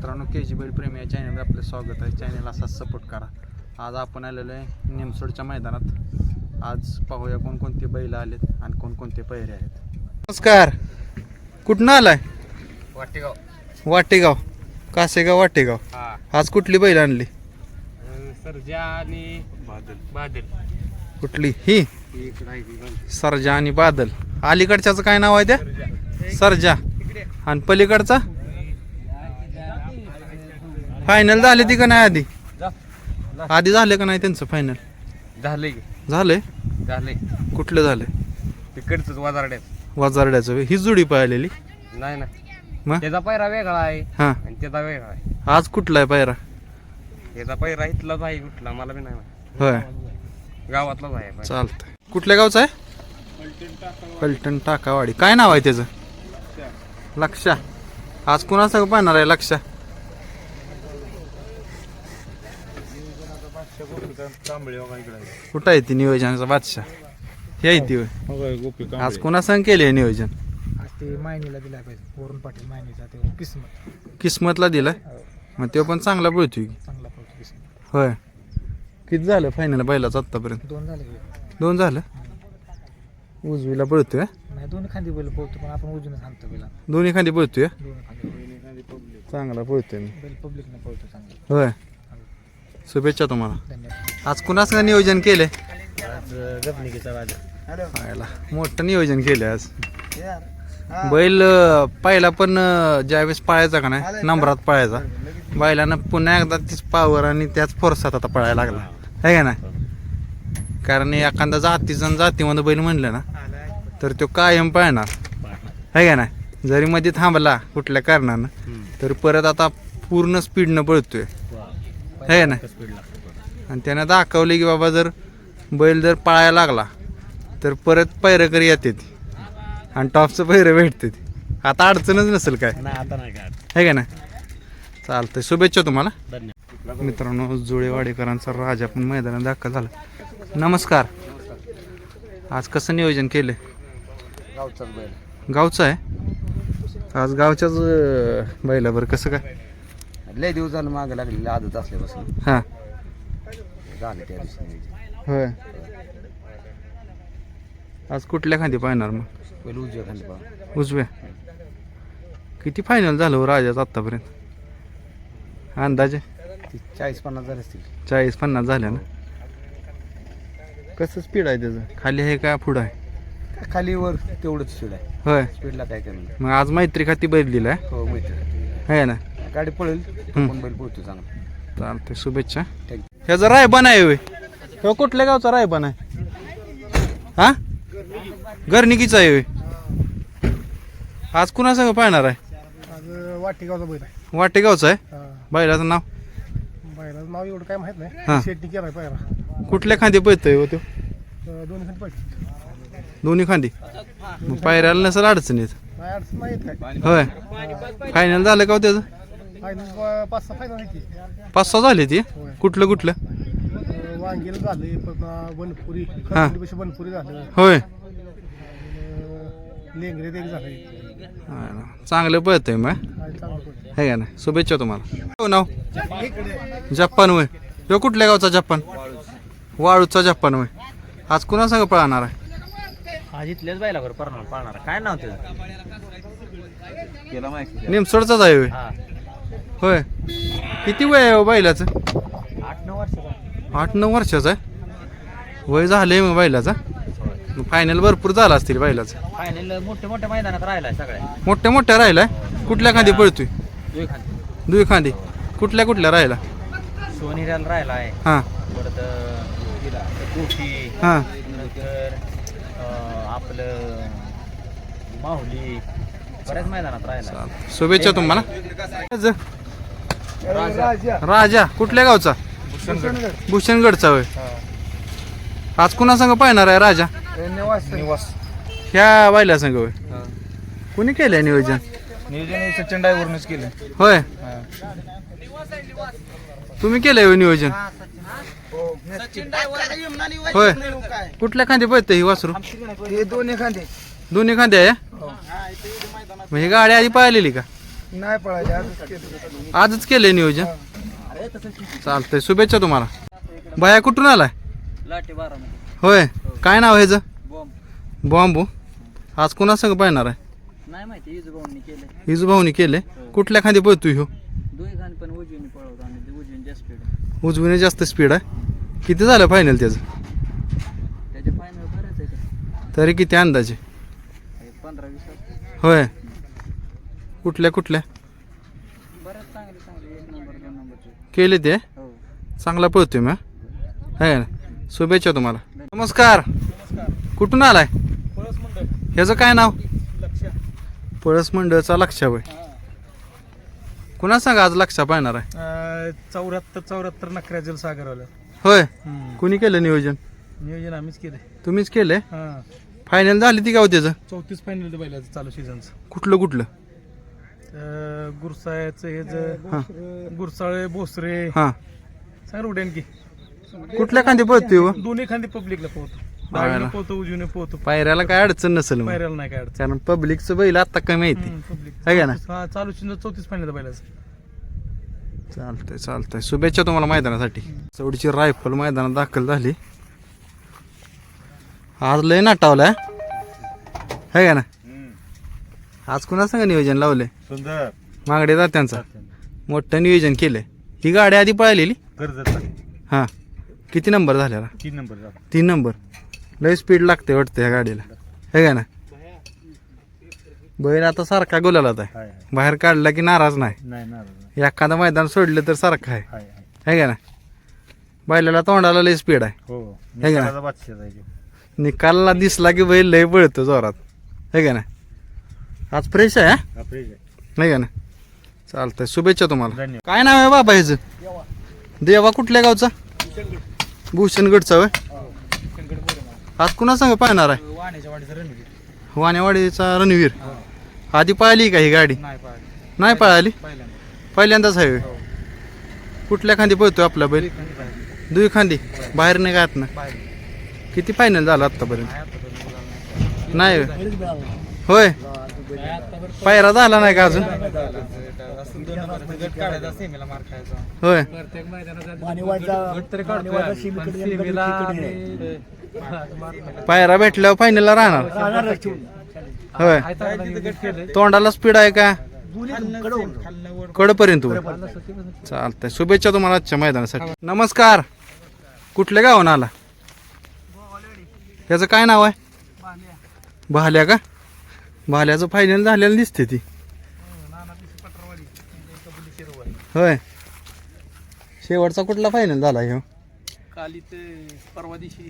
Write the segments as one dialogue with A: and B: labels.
A: मित्रांनो KG बैल प्रेमी या चॅनलवर आपलं स्वागत आहे. चॅनल असाच सपोर्ट करा. आज आपण आलेलो आहे निमसोडच्या मैदानात. आज पाहूया कोणकोणते बैल आलेत आणि कोणकोणते पैरे आहेत. नमस्कार, कुठनं आलाय? वाटेगाव कासेगाव वाटेगाव. आज कुठली बैल आणली?
B: सर्जा आणि बादल.
A: कुठली ही? सर्जा आणि बादल. अलीकडच्याचं काय नाव आहे त्या? सर्जा. आणि पलीकडचा फायनल झाले ती का नाही? आधी झाले का नाही त्यांचं फायनल? झालंय. कुठलं झालंय?
B: तिकडच
A: वाजारड्याचं. ही जोडी पाहिलेली
B: नाही ना,
A: मग
B: त्याचा पैरा वेगळा आहे
A: हा,
B: आणि त्याचा वेगळा आहे.
A: आज कुठला आहे पायरा?
B: त्याचा पैरा इथलाच आहे, कुठला मला बी नाही माहित.
A: होय,
B: गावातलाच आहे पैरा.
A: चालतंय. कुठल्या गावचा आहे? फलटण टाकावाडी. काय नाव आहे त्याचं? लक्षा. आज कुणासंग पाहणार आहे लक्षा? कुठं आहे ती नियोजनाचा बादशाह? हे आहे ती होय. आज कुणासंग केले नियोजन?
C: ते मायनीला दिला पाहिजे. वरून पाटील मायनीचा ते
A: किस्मतला दिलाय. मग तो पण चांगला पळतोय की?
C: चांगला पळतो किस्मत.
A: होय. किती झालं फायनल बैलाचं आतापर्यंत?
C: 2 झाले.
A: 2 झालं. उजवीला पळतोय?
C: नाही, 2 खांदी बैल पळतो, पण आपण उजून सांगतो बैला.
A: दोन्ही खांदी पळतोय.
C: 2 खांदी
A: चांगला पळतोय मी.
C: बैल पब्लिकने पळतो चांगला.
A: होय, शुभेच्छा तुम्हाला.
C: धन्यवाद.
A: आज कुणासंग नियोजन केले?
C: आज गपनिकीचा राजा.
A: मोठं नियोजन केलं आज. बैल पहिला पण ज्यावेळेस पळायचा का नाही, नंबरात पळायचा, बैलानं पुन्हा एकदा तीच पावर आणि त्याच फोर्सात आता पळायला लागला आहे का नाही? कारण एखादा जातीमध्ये बैल म्हणलं ना तर तो कायम पळणार आहे का नाही? जरी मध्ये थांबला कुठल्या कारणानं तर परत आता पूर्ण स्पीडनं पळतोय आहे का नाही? आणि त्यानं दाखवले की बाबा जर बैल जर पळायला लागला तर परत पैरकरी येते आणि टॉपचं पैर भेटते. आता अडचणच नसेल काय आहे का नाही? चालतंय, शुभेच्छा तुम्हाला. मित्रांनो, जुळेवाडेकरांचा राजा पण मैदानात दाखल झाला. नमस्कार. आज कसं नियोजन केलं?
B: गावचाच बैल.
A: गावचं आहे आज? गावच्याच बैलावर कसं काय?
B: लय दिवस झालं मागे लागलेली आदत असल्यापासून
A: हां,
B: झाले त्या दिवशी.
A: होय. आज कुठल्या खांदी पाहणार मग?
B: पहिले उजव्या खाली पहा.
A: उजव्या. किती फायनल झालं हो राजाच आत्तापर्यंत अंदाजे?
B: 40-50 झाले असतील.
A: 40-50 झाल्या ना? कसं स्पीड आहे त्याचं? खाली आहे का पुढं आहे?
B: खाली वर तेवढंच स्पीड आहे.
A: होय.
B: स्पीडला काय कमी.
A: मग आज मैत्री खाती बैल दिलाय
B: हो, माहिती
A: आहे ना?
B: गाडी पळेल पण बैल पळतो चांगला.
A: चालतंय, शुभेच्छा.
B: थँक्यू.
A: ह्याचा रायबान आहे होय? हो, कुठल्या गावचा रायबान आहे? हा, घरनिकीचा आहे होय? आज कुणासंग पाहणार आहे?
C: आज वाटेगावचा बैल आहे.
A: वाटेगावचा आहे. बैलाचं नाव?
C: बैलाचं नाव एवढं काय माहित
A: हा.
C: नाही. शेट्टी केलाय पायरा.
A: कुठल्या खांदी पळतोय हो तो?
C: 2 खांदी पळतो.
A: दोन्ही खांदी. मग पायऱ्याला नसेल अडचणीत?
C: नाही अडचण माहित काय.
A: होय. फायनल झालं का हो त्याचं?
C: फायनल 5-6 फायनल आहे की.
A: 5-6 झाले ती. कुठलं कुठलं?
C: वांगेला झाले, पण बनपुरी
A: हा.
C: बनपुरी झालं.
A: होय.
C: लेंगरेत एक झालं.
A: चांगलं पळतंय मग
C: चांगलं पळतो.
A: आहे का नाही? शुभेच्छा तुम्हाला. हो, नाव? जपान होय. तो कुठल्या गावचा? जपान. वाळूचा जपान होय. आज कुणासंग पळणार आहे?
B: आज इथल्याच बैलावर पाळणार. काय नाव त्याचं? केला माहिती.
A: निमसोडचाच आहे होय. होय. किती वय आहे हो बैलाचं?
B: 8-9 वर्षाचा.
A: 8-9 वर्षाचं आहे वय झालंय मग बैलाचा. फायनल भरपूर झाला असतील बैलाचं.
B: फायनल मोठ्या मैदानात राहिलाय सगळ्या.
A: मोठ्या राहिलाय. कुठल्या खांदी पळतोय? दुई खांदी. कुठल्या राहिला?
B: सोनेऱ्याला राहिलाय.
A: हां
B: परत कोठी.
A: हां.
B: नंतर आपलं माहुली. बऱ्याच मैदानात राहिला.
A: शुभेच्छा तुम्हाला. राजा कुठल्या गावचा? भूषणगडचा होय. आज कुणासंग पाहणार आहे राजा?
B: निवास.
A: ह्या बैला संघ होय. कुणी केलंय नियोजन?
B: सचिन ड्रायव्हरनेच केलं.
A: होय. तुम्ही केलंय होय नियोजन? होय. कुठल्या खांदी पळतं ही वासरू?
C: हे 2 खांदे.
A: दोन्ही खांदे आहे. मग ही गाडी आधी पाहिलेली का?
C: नाही पळायचे आजच केलं.
A: आजच केलंय नियोजन. चालतंय, शुभेच्छा तुम्हाला. बाया कुठून आलाय?
B: लाटे बारामध्ये
A: होय, काय नाव आहे ह्याचं?
B: बॉम्ब
A: बॉम्बू. आज कुणा संग पाहणार आहे?
B: नाही माहिती इजूभाऊंनी केले.
A: हिजू भाऊनी केले. कुठल्या खांदी पळतोय ह्यो?
B: दोन्ही खाली पण उजवीने पळवतो आणि उजवीने जास्त स्पीड.
A: उजवीने जास्त स्पीड आहे. किती झालं फायनल त्याचं?
B: त्याचे फायनल बरेच आहे ते.
A: तरी किती अंदाजे?
B: 15-20
A: होय. कुठल्या कुठल्या
B: बरेच चांगले चांगले 1 नंबर 2 नंबरचे.
A: केले ते?
B: हो.
A: चांगला पळतोय मग. आहे ना. शुभेच्छा तुम्हाला. नमस्कार. कुठून आलाय?
C: पळस मंडळ
A: ह्याचं काय नाव?
C: लक्ष.
A: पळस मंडळचा लक्षा होय. कुणा सांगा आज लक्षा पाहणार आहे?
C: 74 नखऱ्याजल सागरवाला.
A: होय. कुणी केलं नियोजन?
C: नियोजन आम्हीच केले.
A: तुम्हीच केलंय.
C: हां
A: फायनल झाली ती का हो त्याचं?
C: 34 फायनल बैलाचं चालू सीझनचं.
A: कुठलं कुठलं?
C: गुरसाळ्याचं
A: हां
C: हे गुरसाळे भोसरे
A: हां.
C: सांग उड्यान की
A: कुठल्या खांदी पळतोय हो?
C: दोन्ही खांदी पब्लिकला पोहतो.
A: हायला.
C: डावीने पोहतो उजवीने पोहतो.
A: पायऱ्याला काय अडचण नसेल मग.
C: पायऱ्याला नाही काय अडचण.
A: कारण पब्लिकचं बैल आता कमी येते.
C: पब्लिक
A: आहे का ना?
C: हा चालू सीझन 34 फायनल बैलाचं.
A: चालतंय चालतंय. शुभेच्छा तुम्हाला मैदानासाठी. चौडीची रायफल मैदानात दाखल झाली. आज लय नाटावलाय है का ना? आज कुणा संग नियोजन लावलंय?
D: सुंदर
A: मागडे जात्यांचा मोठं नियोजन केलंय. ही गाडी आधी पळालेली?
D: कर्जत
A: हां. किती नंबर झालेला?
D: 3 नंबर
A: 3 नंबर. लय स्पीड लागते वाटतं ह्या गाडीला है का ना? बैल आता सारखा गुलालात आहे.
D: हाय
A: बाहेर काढला की नाराज नाही.
D: नाही ना
A: एखादं मैदान सोडलं तर सारखं आहे
D: हाय
A: है का ना? बैलाला तोंडाला लय स्पीड आहे.
D: हो
A: है का?
D: निकालाचा बादशाह आहे तो.
A: निकालला दिसला की बैल लय पळतो जोरात है का ना? आज फ्रेश आहे
D: हा फ्रेश आहे.
A: नाही का ना? चालतंय, शुभेच्छा तुम्हाला.
D: धन्यवाद.
A: काय नाव आहे बाबा ह्याचं? देवा. कुठल्या गावचा? भूषणगडचा होय. आज कुणा संग पाहणार आहे?
C: वाण्याच्या वाडीचं रणवीर.
A: वानेवाडीचा रणवीर. आधी पाहिली का ही गाडी?
C: नाही पाहिजे
A: नाही पळाली.
C: पहिल्यांदा.
A: पहिल्यांदाच आहे होय. कुठल्या खांदी पळतोय आपला बैल? दुई खांदी. बाहेर नाही गात ना. किती फायनल झालं आतापर्यंत? नाही होय. पायरा झाला नाही का अजून? होय. पायरा भेटल्यावर फायनलला राहणार होय. तोंडाला स्पीड आहे का? कडपर्यंत. चालतंय, शुभेच्छा तुम्हाला आजच्या मैदानासाठी. नमस्कार. कुठल्या गावानं आला? याचं काय नाव आहे? भाल्या का? भाल्याचं फायनल झालेलं दिसते ती होय. शेवटचा कुठला फायनल झाला ह्यो?
C: काली ते परवा दिवशी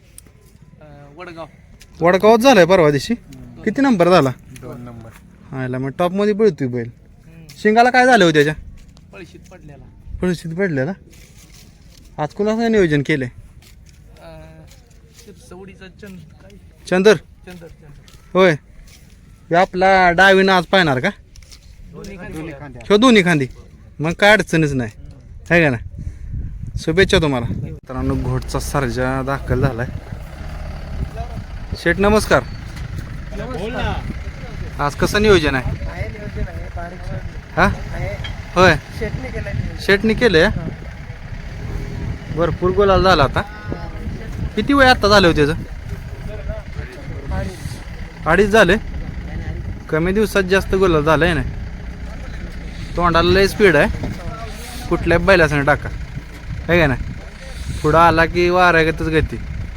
A: वडगावात झालाय परवा दिवशी. किती नंबर झाला?
C: 2 नंबर.
A: हायला मग टॉप मध्ये पळतोय बैल. शिंगाला काय झालं हो त्याच्या?
C: पळशीत पडलेला.
A: परिस्थिती पडलेला. आज कुणाचं नियोजन केलंय?
C: सवडीचा
A: चंदर
C: चंदर
A: होय. ह्यो आपला डावीनं आज पाहणार का? ह्यो दोन्ही खांदी. मग काय अडचणच नाही है का ना? शुभेच्छा तुम्हाला. मित्रांनो, घोटचा सर्जा दाखल झालाय. शेठ नमस्कार. आज कसं नियोजन आहे? हा होय. शेटनी केलंय. भरपूर गोलाल झाला आता. किती वेळ आता झालं होतं त्याचं? 2.5 झाले. कमी दिवसात जास्त गोलाल झालंय ना. तोंडाला लय स्पीड आहे. कुठल्या बैलासंग टाका है का ना? पुढं आला की वाऱ्यागतच गती.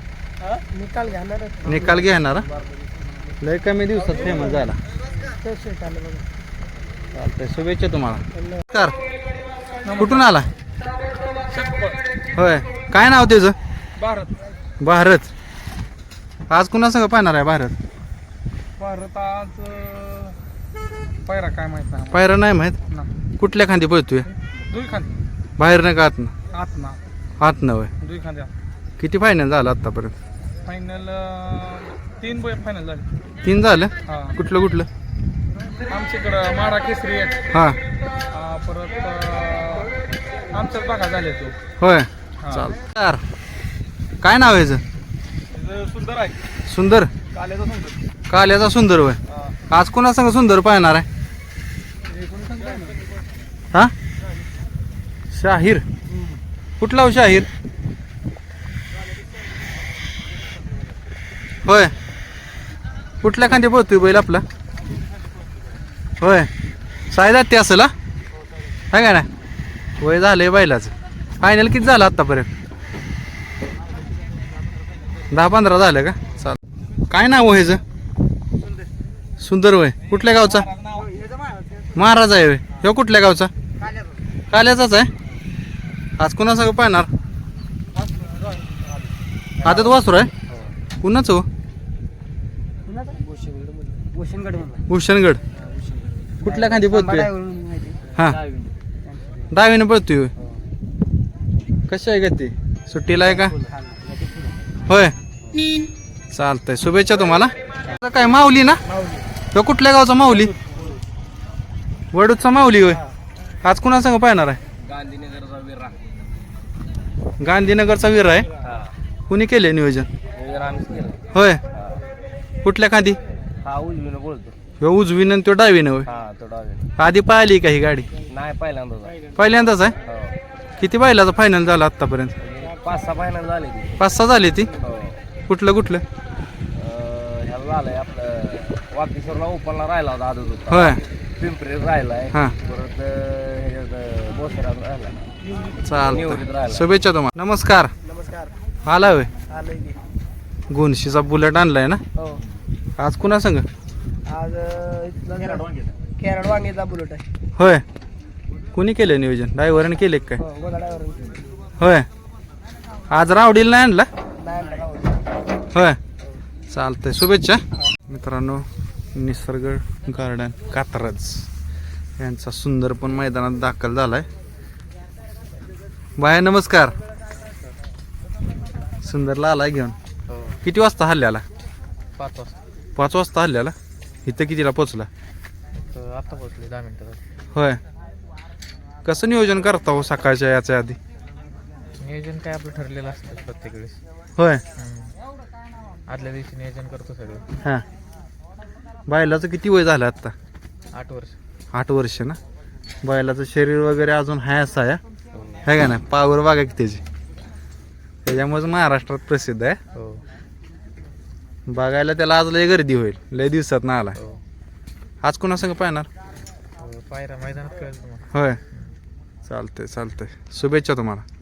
A: निकाल घेणार. लय कमी दिवसात फेमस झाला. चालतंय, शुभेच्छा तुम्हाला. नमस्कार. कुठून आला? होय. काय नाव त्याचं?
C: भारत.
A: भारत. आज कुणा संग पाहणार आहे भारत?
C: भारत आज पायरा काय माहित नाही
A: पायरा नाही माहित.
C: ना.
A: कुठल्या खांदी पळतोय?
C: दुई खांदी.
A: बाहेर नाही का आतनं?
C: आत ना.
A: आतनं होय.
C: दुई खांदी.
A: किती फायनल झालं आतापर्यंत?
C: फायनल 3 फायनल झाले.
A: 3 झालं.
C: हा.
A: कुठलं कुठलं?
C: आमच्याकडं माडा केसरी एक.
A: हां
C: परत आमच्याच भागात झाले तो.
A: होय.
C: हा.
A: चाल. काय नाव आहे ह्याचं?
C: हे सुंदर आहे.
A: सुंदर.
C: काल्याचा सुंदर.
A: काल्याचा सुंदर होय.
C: हा.
A: आज कुणा संग सुंदर पाहणार आहे?
C: हे कोणी सांगते?
A: हा शाहीर कुठला हो शाहीर होय कुठल्या खांदी पळतोय बैल आपला होय सायदा ते असेल हा है का ना वय झालंय बैलाचं फायनल किती झालं आत्तापर्यंत 10-15 झालं का चाल काय नाव आहे ह्याचं सुंदर वय कुठल्या गावचा महाराज आहे होय ह्यो कुठल्या गावचा काल्याचाच आहे आज कुणासंग पाहणार आदत वासरू आहे कुणाच हो भूषणगड कुठल्या खांदी पळतोय हा डावीनं पळतोय होय कशी आहे का ती सुट्टीला आहे का होय चालतंय शुभेच्छा तुम्हाला काय माऊली ना तो कुठल्या गावचा माऊली वडूचा माऊली होय आज कुणासंग पाहणार आहे गांधीनगरचा वीर आहे कुणी केले नियोजन होय कुठल्या खांदी ह्यो उजवीनं तो डावीनं होय आधी पाहिली का ही गाडी
B: नाही
A: पहिल्यांदाच आहे किती बैलाचा फायनल झाला आतापर्यंत
B: 5-6 फायनल झाले
A: 5-6 झाली ती कुठलं
B: ह्याला झालंय आपलं वाकेश्वरला ओपनला राहिला होता आदत होता
A: होय
B: पिंपरी राहिलाय
A: हा
B: परत ह्याच्यात बोसरात राहिला
A: चालतं शुभेच्छा तुम्हाला नमस्कार आला होय गोनशीचा बुलेट आणलाय ना
C: हो
A: आज कुणा संग
C: आज केरळ वांगेचा बुलेट आहे
A: होय कुणी केलं नियोजन ड्रायव्हरने केले काय
C: गोदाड्यावर
A: होय आज रावडीला नाही आणला
C: नाही
A: होय चालतंय शुभेच्छा मित्रांनो निसर्ग गार्डन कात्रज यांचा सुंदर पण मैदानात दाखल झालाय बाय नमस्कार सुंदरला आलाय घेऊन किती वाजता हल्ल्याला 5 वाजता हल्ल्याला इथं कितीला पोचला
C: आता पोहोचले 10 मिनिटात
A: होय कसं नियोजन करता हो सकाळच्या याच्या आधी
C: नियोजन काय आपलं ठरलेलं असतं प्रत्येक वेळेस
A: होय
C: आदल्या दिवशी नियोजन करतो सगळं
A: हां बैलाचं किती वय झालं आत्ता
C: 8 वर्ष
A: 8 वर्ष ना बैलाचं शरीर वगैरे अजून हाय असं आहे का ना पावर बघा की त्याची त्याच्यामुळेच महाराष्ट्रात प्रसिद्ध आहे
C: हो
A: बघायला त्याला आज लय गर्दी होईल लय दिवसात ना आला
C: हो
A: आज कुणासंग पाहणार
C: पायरा मैदानात कळेल तुम्हाला
A: होय चालतंय शुभेच्छा तुम्हाला